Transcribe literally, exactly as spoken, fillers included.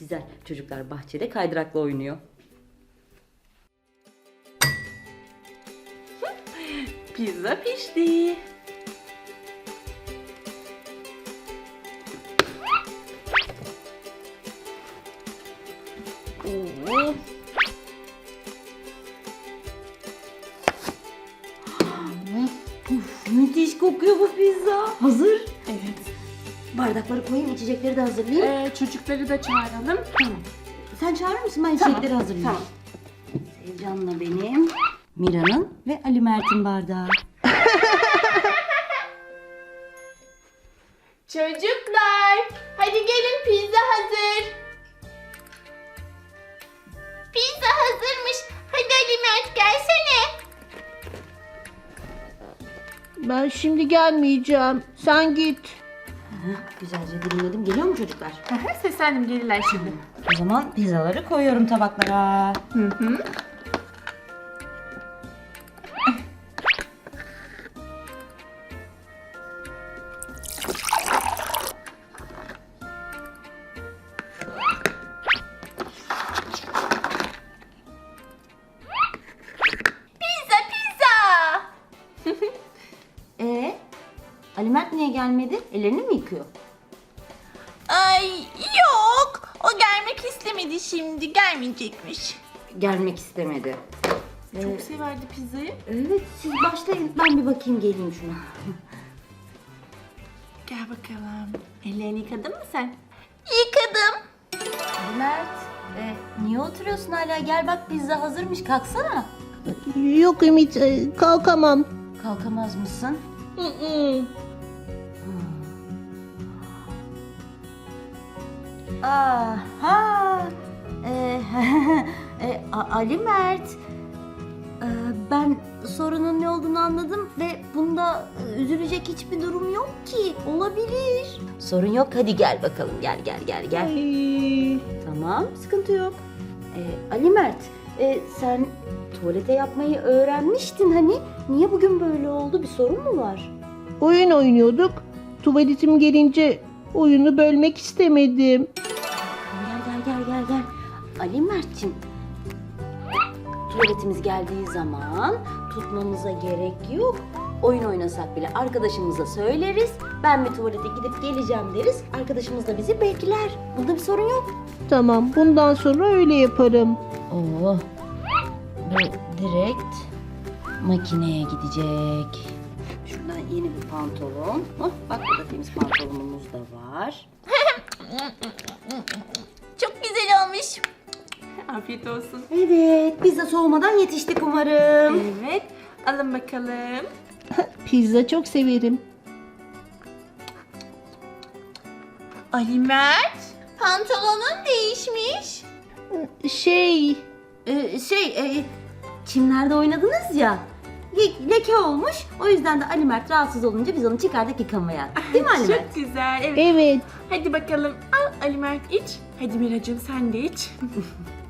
güzel. Çocuklar bahçede kaydırakla oynuyor. Pizza pişti. Oo. Uf, müthiş kokuyor bu pizza. Hazır. Evet. Bardakları koyayım, içecekleri de hazırlayayım. Ee, çocukları da çağıralım. Tamam. Sen çağırır mısın? Ben Tamam, içecekleri hazırlayayım. tamam. Sevcan'la benim, Mira'nın ve Ali Mert'in bardağı. Çocuklar, hadi gelin pizza hazır. Pizza hazırmış. Hadi Ali Mert gelsene. Ben şimdi gelmeyeceğim. Sen git. Heh, güzelce dilimledim. Geliyor mu çocuklar? Seslendim, gelirler şimdi. O zaman pizzaları koyuyorum tabaklara. Hı hı. Pizza pizza. Ee, Ali Mert niye gelmedi? Ellerini mi yıkıyor? Ay yok. O gelmek istemedi şimdi. Gelmeyecekmiş. Gelmek istemedi. Ee, Çok severdi pizzayı. evet, siz başlayın. Ben bir bakayım, geleyim şuna. Gel bakalım. Ellerini yıkadın mı sen? Yıkadım. Ali Mert, e, niye oturuyorsun hala? Gel bak, pizza hazırmış. Kalksana. Yok Ümit, e, kalkamam. Kalkamaz mısın? Hı hı. Aha. Ee, e, A- Ali Mert. Ee, ben sorunun ne olduğunu anladım ve bunda e, üzülecek hiçbir durum yok ki. Olabilir. Sorun yok. Hadi gel bakalım. Gel gel gel gel. Ay. Tamam, sıkıntı yok. Ee, Ali Mert, e, sen tuvalete yapmayı öğrenmiştin hani. Niye bugün böyle oldu? Bir sorun mu var? Oyun oynuyorduk. Tuvaletim gelince oyunu bölmek istemedim. Gel gel gel gel gel. Ali Mert'ciğim. Tuvaletimiz geldiği zaman tutmamıza gerek yok. Oyun oynasak bile arkadaşımıza söyleriz. Ben bir tuvalete gidip geleceğim deriz. Arkadaşımız da bizi bekler. Bunda bir sorun yok. Tamam, bundan sonra öyle yaparım. Oo. Bu direkt makineye gidecek. Şuradan yeni bir pantolon. Hah, bak burada temiz pantolonumuz da var. Çok güzel olmuş. Afiyet olsun. Evet, pizza soğumadan yetiştik umarım. Evet. Alın bakalım. Pizza çok severim. Ali Mert, pantolonun değişmiş. Şey, Ee, şey, e, çimlerde oynadınız ya. le- Leke olmuş. O yüzden de Ali Mert rahatsız olunca biz onu çıkardık yıkamaya. Değil mi Ali Mert? Çok güzel. Evet. evet. Hadi bakalım. Al Ali Mert iç. Hadi Miracığım sen de iç.